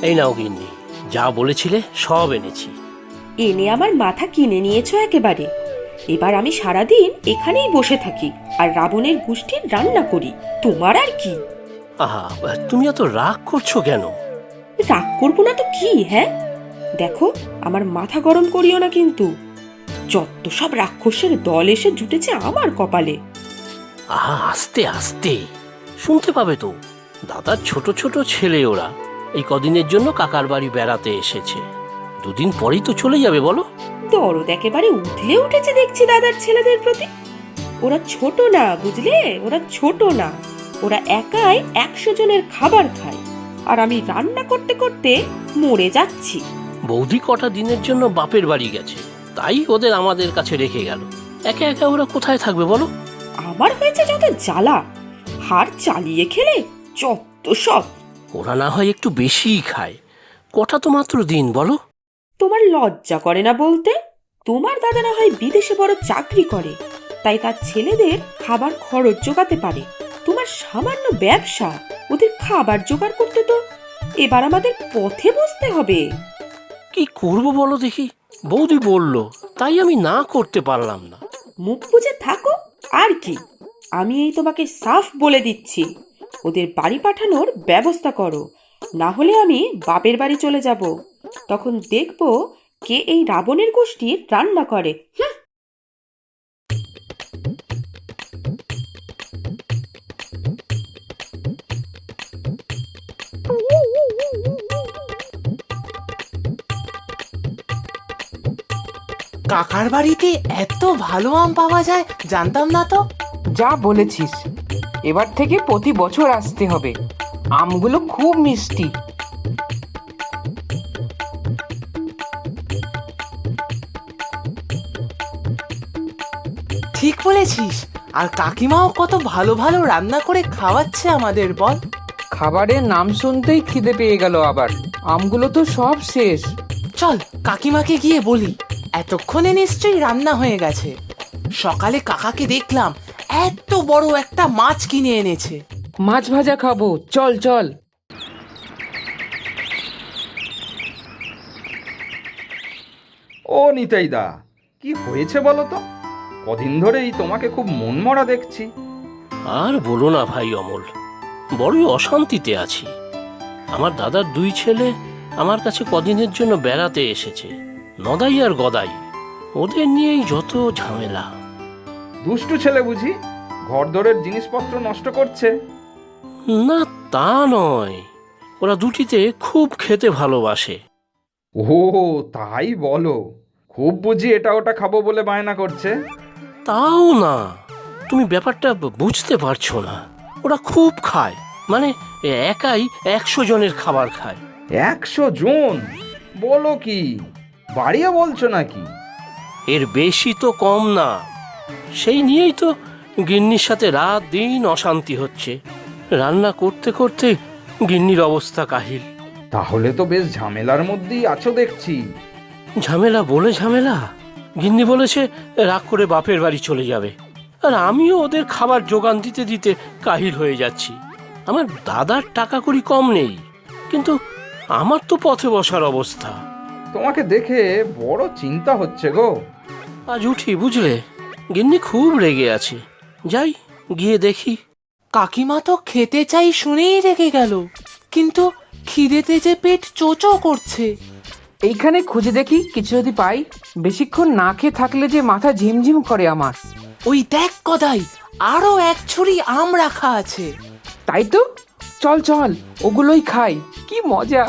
এই নাও গিন্নি, যা বলেছিলে সব এনেছি। এনে আমার মাথা কিনে নিয়েছো একেবারে। এবার আমি সারাদিন এখানেই বসে থাকি আর রাবণের গোষ্ঠীর রান্না করি। তোমার আর কি? আহা, তুমি এত রাগ করছো কেন? রাগ করবো না তো কি? হ্যাঁ, দেখো, আমার মাথা গরম করিও না কিন্তু। যত সব রাক্ষসের দল এসে জুটেছে আমার কপালে। আহা, আস্তে আস্তে, শুনতে পাবে তো। দাদার ছোট ছোট ছেলে ওরা এই কদিনের জন্য কাকার বাড়ি বেড়াতে এসেছে। দুদিন পরেই তো চলে যাবে বলো। দরদ একেবারে উঠলে উঠেছে দেখছি দাদার ছেলেদের প্রতি। ওরা ছোট না, বুঝলে? ওরা ছোট না, ওরা একাই 100 জনের খাবার খায়। আর আমি রান্না করতে করতে মরে যাচ্ছি। বৌদি কটা দিনের জন্য বাপের বাড়ি গেছে, তাই ওদের আমাদের কাছে রেখে গেল। একা একা ওরা কোথায় থাকবে বলো? আমার হয়েছে যত জ্বালা, হাড় চালিয়ে খেলে যত সব। ওরা না হয় একটু বেশিই খায়, কটা তো মাত্র দিন বলো। তোমার লজ্জা করে না বলতে? তোমার দাদা না হয় বিদেশে বড় চাকরি করে, তাই তার ছেলেদের খাবার খরচ জোগাতে পারে। তোমার সামান্য ব্যবসা, ওদের খাবার জোগাড় করতে তো এবার আমাদের পথে বসতে হবে। কি করব বলো দেখি? বৌদি বলল, তাই আমি না করতে পারলাম না। মুখ বুজে থাকো আর কি। আমি এই তোমাকে সাফ বলে দিচ্ছি, ওদের বাড়ি পাঠানোর ব্যবস্থা করো, না হলে আমি বাপের বাড়ি চলে যাব। তখন দেখবো কে এই রাবণের গোষ্ঠীর রান্না করে। কাকার বাড়িতে এত ভালো আম পাওয়া যায় জানতাম না তো। যা বলেছিস, এবার থেকে প্রতি বছর আসতে হবে। আমগুলো খুব মিষ্টি। ঠিক বলেছিস, আর কাকিমাও কত ভালো ভালো রান্না করে খাওয়াচ্ছে আমাদের, বল। খাবারের নাম শুনতেই খিদে পেয়ে গেল আবার। আমগুলো তো সব শেষ। চল কাকিমাকে গিয়ে বলি, এতক্ষণে নিশ্চয়ই রান্না হয়ে গেছে। সকালে কাকাকে দেখলাম এত বড় একটা মাছ কিনে এনেছে। মাছ ভাজা খাবো, চল চল। ও নিতাইদা, কি হয়েছে বলো তো? কদিন ধরেই তোমাকে খুব মনমরা দেখছি। আর বলো না ভাই অমল, বড়ই অশান্তিতে আছি। আমার দাদার 2 ছেলে আমার কাছে কদিনের জন্য বেড়াতে এসেছে, নদাই আর গদাই। ওদের নিয়েই যত ঝামেলা। দুষ্টু ছেলে বুঝি ঘরদোরের জিনিসপত্র নষ্ট করছে? না, তা নয়, ওরা দুটিতে খুব খেতে ভালোবাসে। ও তাই বলো? খুব বুঝি এটা ওটা খাবো বলে বায়না করছে? তাও না, তুমি ব্যাপারটা বুঝতে পারছো না। ওরা খুব খায়, মানে একাই 100 জনের খাবার খায়। 100 জন? বলো কি, বাড়িয়ে বলছো নাকি? এর বেশি তো কম না। সেই নিয়েই তো গিন্নির সাথে রাত দিন অশান্তি হচ্ছে। রান্না করতে করতে গিন্নির অবস্থা কাহিল। তাহলে তো বেশ ঝামেলার মধ্যেই আছো দেখছি। ঝামেলা বলে ঝামেলা। গিন্নি বলেছে রাগ করে বাপের বাড়ি চলে যাবে, আর আমিও ওদের খাবার জোগান দিতে দিতে কাহিল হয়ে যাচ্ছি। আমার দাদার টাকা কড়ি কম নেই, কিন্তু আমার তো পথে বসার অবস্থা। তোমাকে দেখে বড় চিন্তা হচ্ছে গো। আজ উঠি বুঝলে, গিন্নি খুব রেগে আছে। যাই গিয়ে দেখি। কাকিমা তো খেতে চাই শুনেই রেগে গেল, কিন্তু খিদেতে যে পেট চোচো করছে। এইখানে খুঁজে দেখি কিছু যদি পাই। বেশিক্ষণ না খেয়ে থাকলে যে মাথা ঝিমঝিম করে আমার। ওই দেখ গদাই, আরো 1 ছুরি আম রাখা আছে। তাই তো, চল চল ওগুলোই খাই, কি মজা।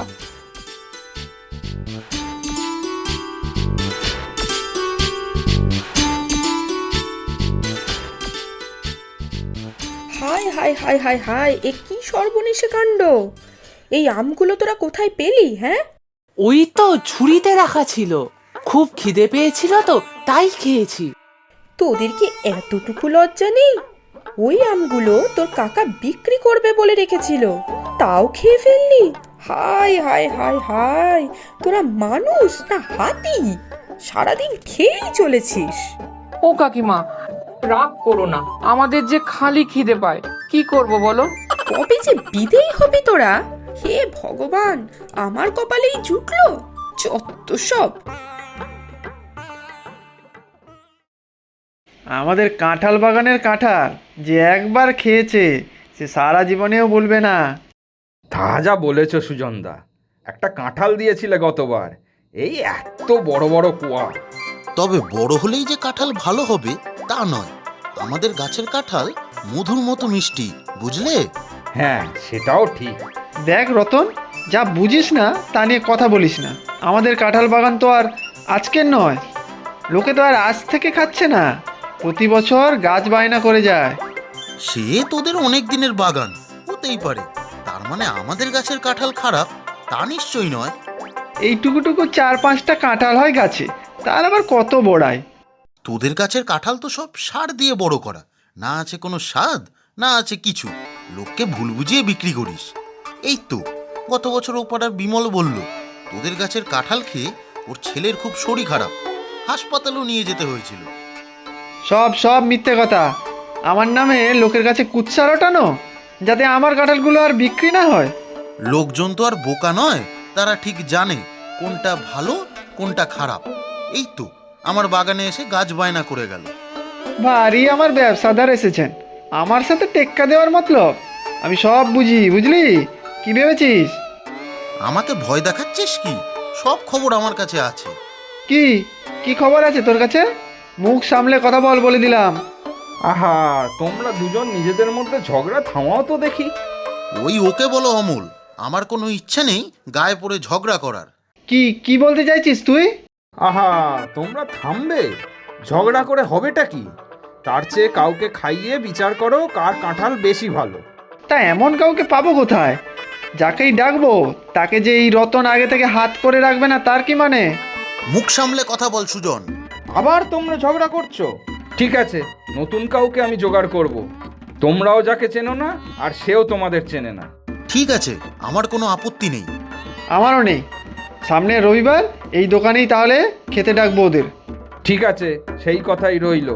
হায় হায় হায় হায় হায়, এ কি সর্বনেশে কাণ্ড! এই আমগুলো তোরা কোথায় পেলি? হ্যাঁ, ওই তো ঝুড়িতে রাখা ছিল, খুব খিদে পেয়েছিল তো তাই খেয়েছি। তোদের কি এতটুকু লজ্জা নেই? ওই আমগুলো তোর কাকা বিক্রি করবে বলে রেখেছিল, তাও খেয়ে ফেললি? হায় হায় হায় হায়, তোরা মানুষ না হাতি? সারাদিন খেয়েই চলেছিস। ও কাকিমা, রাগ করো না, আমাদের যে খালি খিদে পায়, কি করব বলো। কবে যে বিদেয় হবি তোরা? হে ভগবান, আমার কপালেই জুটলো, যত সব। আমাদের কাঁঠাল বাগানের কাঁঠাল যে একবার খেয়েছে সে সারা জীবনেও বলবে না। তা যা বলেছ সুজনদা, একটা কাঁঠাল দিয়েছিলে গতবার, এই এত বড় বড় কুয়া। তবে বড় হলেই যে কাঁঠাল ভালো হবে তা নয়। আমাদের গাছের কাঁঠাল মধুর মতো মিষ্টি, বুঝলে? হ্যাঁ, সেটাও ঠিক। দেখ রতন, যা বুঝিস না তা নিয়ে কথা বলিস না। আমাদের কাঁঠাল বাগান তো আর আজকের নয়, লোকে তো আর আজ থেকে খাচ্ছে না, প্রতি বছর গাছ বায়না করে যায়। সে তোদের অনেক দিনের বাগান, হতেই পারে। তার মানে আমাদের গাছের কাঁঠাল খারাপ তা নিশ্চয়ই নয়। এইটুকুটুকু 4-5টা কাঁঠাল হয় গাছে, তার আবার কত বড়ায়। তোদের গাছের কাঁঠাল তো সব সার দিয়ে বড় করা, না আছে কোনো স্বাদ, না আছে কিছু। লোককে ভুল বুঝিয়ে বিক্রি করিস। এই তো গত বছর ও পাড়ার বিমল বলল তোদের গাছের কাঁঠাল খেয়ে ওর ছেলের খুব শরীর খারাপ, হাসপাতালেও নিয়ে যেতে হয়েছিল। সব সব মিথ্যে কথা। আমার নামে লোকের কাছে কুৎসা রটানো, যাতে আমার কাঁঠালগুলো আর বিক্রি না হয়। লোকজন তো আর বোকা নয়, তারা ঠিক জানে কোনটা ভালো কোনটা খারাপ। এই তো আমার বাগানে এসে গাছ বায়না করে গেল। ভারী আমার ব্যবসাদার এসেছেন, আমার সাথে টেক্কা দেওয়ার মতলব। আমি সব বুঝি, বুঝলি? কি ভেবেছিস? আমাকে ভয় দেখাচ্ছিস কি? সব খবর আমার কাছে আছে। কি কি খবর আছে তোর কাছে? মুখ সামলে কথা বল, বলে দিলাম। আহা, তোমরা দুজন নিজেদের মধ্যে ঝগড়া থামাও তো দেখি। ওই ওকে বলো অমল, আমার কোনো ইচ্ছে নেই গায়ে পড়ে ঝগড়া করার। কি কি বলতে চাইছিস তুই? আহা, তোমরা থামবে? ঝগড়া করে হবেটা কি? তার চেয়ে কাউকে খাইয়ে বিচার করো কার কাঁঠাল বেশি ভালো। তা এমন কাউকে পাবো কোথায়? যাকেই ডাকবো তাকে যে এই রতন আগে থেকে হাত করে রাখবে না তার কি মানে? মুখ সামলে কথা বল সুজন। আবার তোমরা ঝগড়া করছো? ঠিক আছে, নতুন কাউকে আমি জোগাড় করব। তোমরাও যাকে চেনো না আর সেও তোমাদের চেনে না। ঠিক আছে, আমার কোনো আপত্তি নেই। আমারও নেই। সামনে রবিবার এই দোকানেই তাহলে খেতে ডাকবো ওদের। ঠিক আছে, সেই কথাই রইল।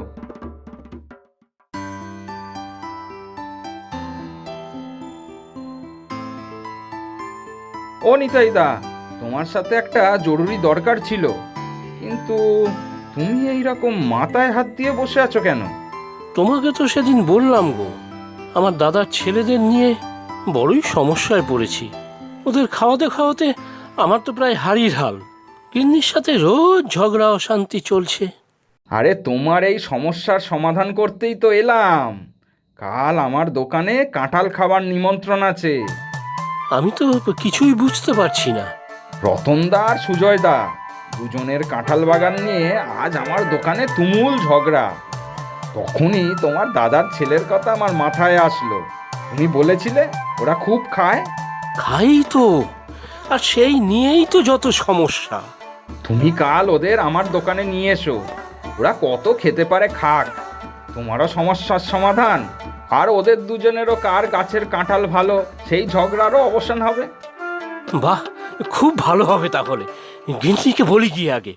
ও নিতাইদা, তোমার সাথে একটা জরুরি দরকার ছিল, কিন্তু তুমি এই রকম মাথায় হাত দিয়ে বসে আছো কেন? তোমাকে তো সেদিন বললাম গো, আমার দাদার ছেলেদের নিয়ে বড়ই সমস্যায় পড়েছি। ওদের খাওয়াতে খাওয়াতে আমার তো প্রায় হাড়ির হাল। গিন্নির সাথে রোজ ঝগড়া অশান্তি চলছে। আরে, তোমার এই সমস্যার সমাধান করতেই তো এলাম। কাল আমার দোকানে কাঁঠাল খাবার নিমন্ত্রণ আছে। আমি তো কিছুই বুঝতে পারছি না। রতনদা আর সুজয়দা দুজনের কাঁঠাল বাগান নিয়ে আজ আমার দোকানে তুমুল ঝগড়া। তখনই তোমার দাদার ছেলের কথা আমার মাথায় আসলো। তুমি বলেছিলে ওরা খুব খায়। খাই তো, আর সেই নিয়েই তো যত সমস্যা। তুমি কাল ওদের আমার দোকানে নিয়ে এসো, ওরা কত খেতে পারে খাক। তোমারও সমস্যার সমাধান, আর ওদের দুজনেরও কার গাছের কাঁঠাল ভালো সেই ঝগড়ারও অবসান হবে। বাহ, খুব ভালো হবে তাহলে। গিন্নিকে বলি কি আগে।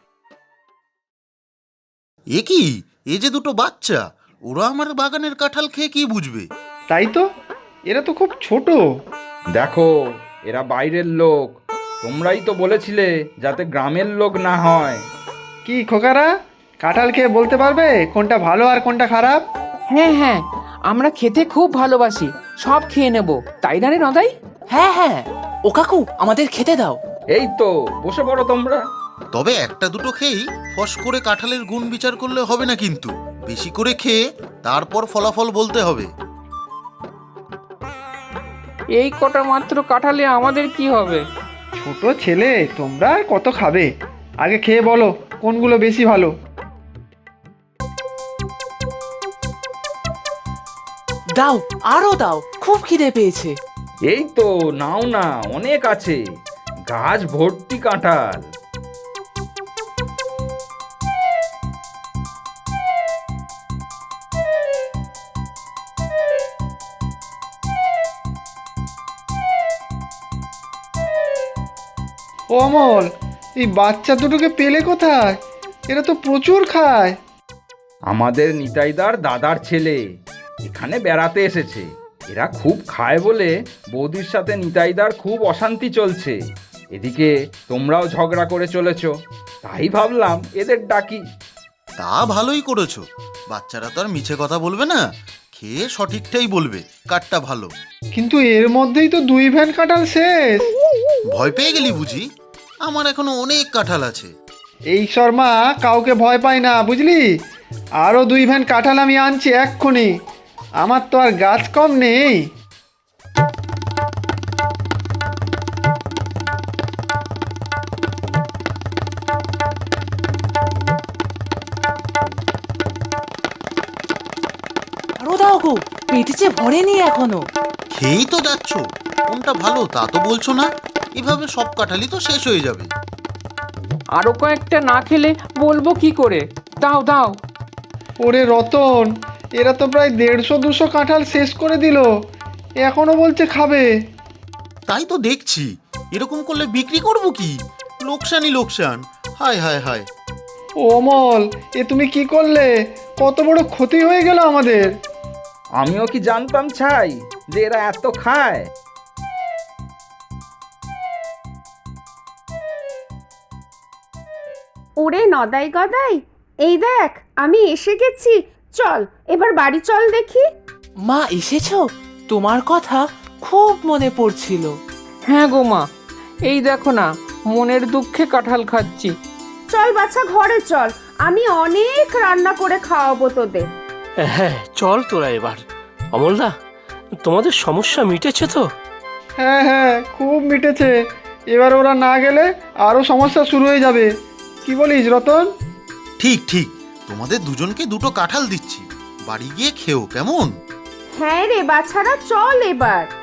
এ কি, এ যে দুটো বাচ্চা, ওরা আমার বাগানের কাঁঠাল খেয়ে কি বুঝবে? তাই তো, এরা তো খুব ছোট। দেখো, এরা বাইরের লোক, তোমরাই তো বলেছিলে যাতে গ্রামের লোক না হয়। কি খোকারা, কাঁঠাল খেয়ে বলতে পারবে কোনটা ভালো আর কোনটা খারাপ? হ্যাঁ হ্যাঁ, আমরা খেতে খুব ভালোবাসি, সব খেয়ে নেব, তাই না রে নদাই? হ্যাঁ হ্যাঁ, ও কাকু আমাদের খেতে দাও। এই তো, বসে পড়ো তোমরা। তবে একটা দুটো খেয়েই ফস করে কাঁঠালের গুণ বিচার করলে হবে না, কিন্তু বেশি করে খেয়ে তারপর ফলাফল বলতে হবে। এই কটা মাত্র কাঁঠালে আমাদের কি হবে? ছোট ছেলে, তোমরা আর কত খাবে? আগে খেয়ে বলো কোনগুলো বেশি ভালো। দাও, আরো দাও, খুব খিদে পেয়েছে। এই তো, নাও না, অনেক আছে, গাছ ভর্তি কাঁঠাল। ও অমল, এই বাচ্চা দুটোকে পেলে কোথায়? এরা তো প্রচুর খায়। আমাদের নিতাইদার দাদার ছেলে এখানে বেড়াতে এসেছে, এরা খুব খায় বলে বৌদির সাথে নিতাইদার খুব অশান্তি চলছে। এদিকে তোমরাও ঝগড়া করে চলেছ, তাই ভাবলাম এদের ডাকি। তা ভালোই করেছো, বাচ্চারা তো আর মিছে কথা বলবে না, খেয়ে সঠিকটাই বলবে কাঠটা ভালো। কিন্তু এর মধ্যেই তো 2 ভ্যান কাঁঠাল শেষ। ভয় পেয়ে গেলি বুঝি? আমার এখনো অনেক কাঁঠাল আছে। এই শর্মা কাউকে ভয় পায় না বুঝলি। আরও 2 ভ্যান কাঁঠাল আমি আনছি এক্ষুনি, আমার তো আর গাছ কম নেই। আরো দাও গো, পেটে যে ভরেনি এখনো। খেয়েই তো যাচ্ছ, কোনটা ভালো তা তো বলছো না। এভাবে সব কাঁঠালই তো শেষ হয়ে যাবে। আরো কয়েকটা না খেলে বলবো কি করে? দাও দাও। ওরে রতন, এরা তো প্রায় 150-200 কাঁঠাল শেষ করে দিল, এখনো বলছে খাবে। তাই তো দেখছি, এরকম করলে বিক্রি করব কি? লোকসানই লোকসান। হায় হায় হায়। ও অমল, এ তুমি কি করলে? কত বড় ক্ষতি হয়ে গেল আমাদের। আমিও কি জানতাম ছাই যে এরা এত খায়? ওরে নদাই গদাই, এই দেখ আমি এসে গেছি, চল এবার বাড়ি চল দেখি। মা এসেছো? তোমার কথা খুব মনে পড়ছিল। হ্যাঁ গো মা, এই দেখো না, মনের দুঃখে কাঁঠাল খাচ্ছি। চল বাচ্চা ঘরে চল, আমি অনেক রান্না করে খাওয়াবো তোদের। হ্যাঁ চল তোরা এবার। অমলদা, তোমাদের সমস্যা মিটেছে তো? হ্যাঁ হ্যাঁ, খুব মিটেছে। এবার ওরা না গেলে আরও সমস্যা শুরু হয়ে যাবে। কি বলিস রতন? ঠিক ঠিক, তোমাদের দুজনকে 2টো কাঁঠাল দিচ্ছি, বাড়ি গিয়ে খেও কেমন? হ্যাঁ রে বাছারা, চল এবার।